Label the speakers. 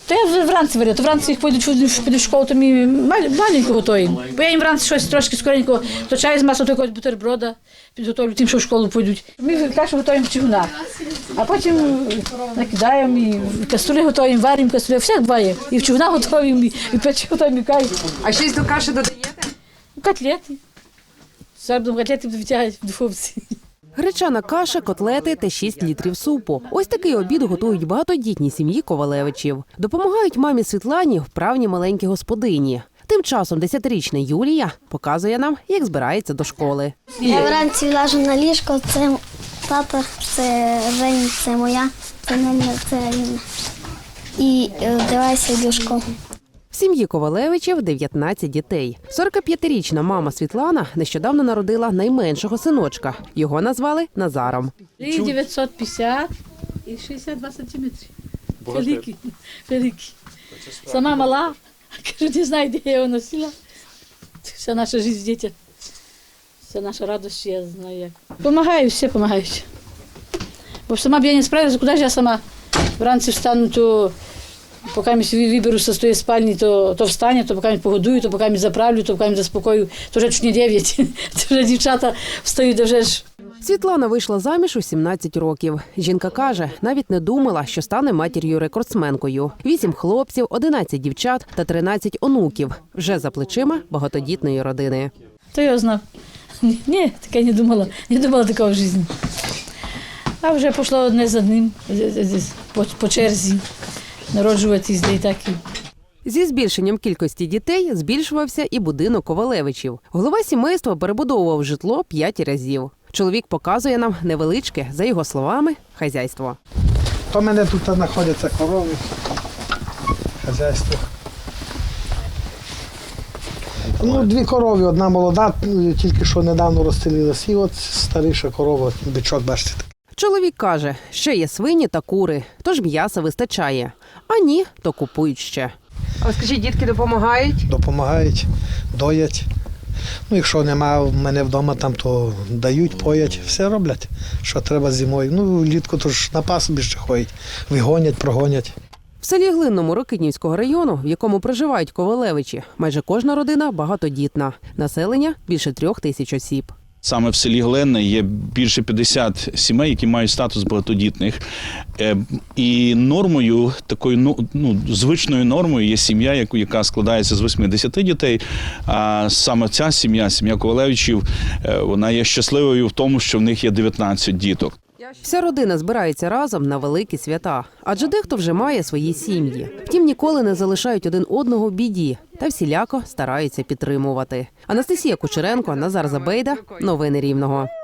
Speaker 1: Та я вранці варю, то вранці їх підуть в школу, то ми маленько готуємо. Бо я їм вранці щось трошки скоренько, то чай з маслом, то якогось бутерброда підготовлю тим, що в школу підуть. Ми кашу готуємо в чигунах, а потім накидаємо, і каструлі готуємо, варимо каструлі, всяк буває. І в чигунах готуємо, і печі готуємо, і кай.
Speaker 2: А щось до каші додаєте?
Speaker 1: Котлети. Зараз будемо котлети витягати в духовці.
Speaker 3: Гречана каша, котлети та 6 літрів супу. Ось такий обід готують багатодітні сім'ї Ковалевичів. Допомагають мамі Світлані вправні маленькі господині. Тим часом 10-річна Юлія показує нам, як збирається до школи.
Speaker 4: Я вранці ляжу на ліжко, це тата, це Жень, це моя, це Неля, це Аліна. І вдягаюся в школу.
Speaker 3: В сім'ї Ковалевичів 19 дітей. 45-річна мама Світлана нещодавно народила найменшого синочка. Його назвали Назаром.
Speaker 1: 950 і 62 сантиметри. Великий, великий. Сама мала, кажу, не знаю, де я його носила. Вся наша життя дітей. Вся наша радість, я знаю як. Помагаю, всі допомагають. Бо сама б я не справилася, куди ж я сама вранці встану, то поки я виберуся з тієї спальні, то встану, то поки погодую, то поки заправлю, то поки заспокою, то вже чуть не 9, то вже дівчата встають, то вже ж.
Speaker 3: Світлана вийшла заміж у 17 років. Жінка каже, навіть не думала, що стане матір'ю-рекордсменкою. 8 хлопців, 11 дівчат та 13 онуків. Вже за плечима багатодітної родини.
Speaker 1: То я знав. Ні, таке не думала такого в житті. А вже пішло одне за одним, по черзі, народжуватись, де і так.
Speaker 3: Зі збільшенням кількості дітей збільшувався і будинок Ковалевичів. Голова сімейства перебудовував житло 5 разів. Чоловік показує нам невеличке, за його словами, хазяйство.
Speaker 5: То в мене тут знаходяться корови, хазяйство. 2 корови, одна молода, тільки що недавно розстелилась, і от старіша корова, бичок, бачите.
Speaker 3: Чоловік каже, ще є свині та кури, тож м'яса вистачає. А ні, то купують ще.
Speaker 2: А скажіть, дітки допомагають?
Speaker 5: Допомагають, доять. Якщо немає в мене вдома, там, то дають, поять, все роблять, що треба зимою. Влітку то ж на пасобі ще ходять, вигонять, прогонять.
Speaker 3: В селі Глинному Рокитнівського району, в якому проживають Ковалевичі, майже кожна родина багатодітна. Населення – більше 3000 осіб.
Speaker 6: Саме в селі Глинне є більше 50 сімей, які мають статус багатодітних. І нормою, такою звичною нормою є сім'я, яка складається з 80 дітей. А саме ця сім'я Ковалевичів, вона є щасливою в тому, що в них є 19 діток.
Speaker 3: Вся родина збирається разом на великі свята, адже дехто вже має свої сім'ї. Втім, ніколи не залишають один одного в біді та всіляко стараються підтримувати. Анастасія Кучеренко, Назар Забейда. Новини Рівного.